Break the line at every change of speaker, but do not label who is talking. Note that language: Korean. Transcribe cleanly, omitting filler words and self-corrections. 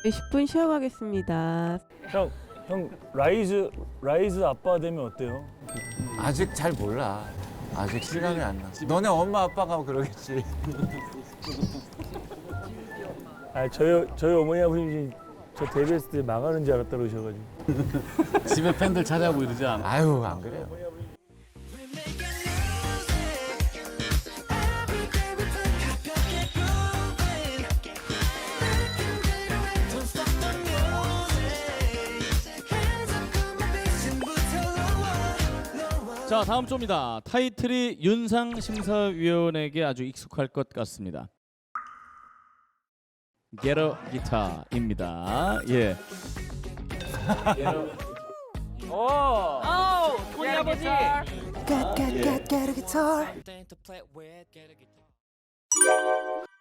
10분 쉬어가겠습니다.
형 라이즈 아빠 되면 어때요?
아직 잘 몰라. 아직 실감이 안 나. 너네 엄마 아빠가 그러겠지.
아 저희 어머니 아버님이 저 데뷔했을 때 망하는 줄 알았다 그러셔가지고.
집에 팬들 찾아오고 이러지 않아?
아유 안 그래요.
자, 다음 조입니다. 타이틀이 윤상 심사위원에게 아주 익숙할 것 같습니다. Get a Guitar입니다. 예.
토니 아버지.
Get a guitar.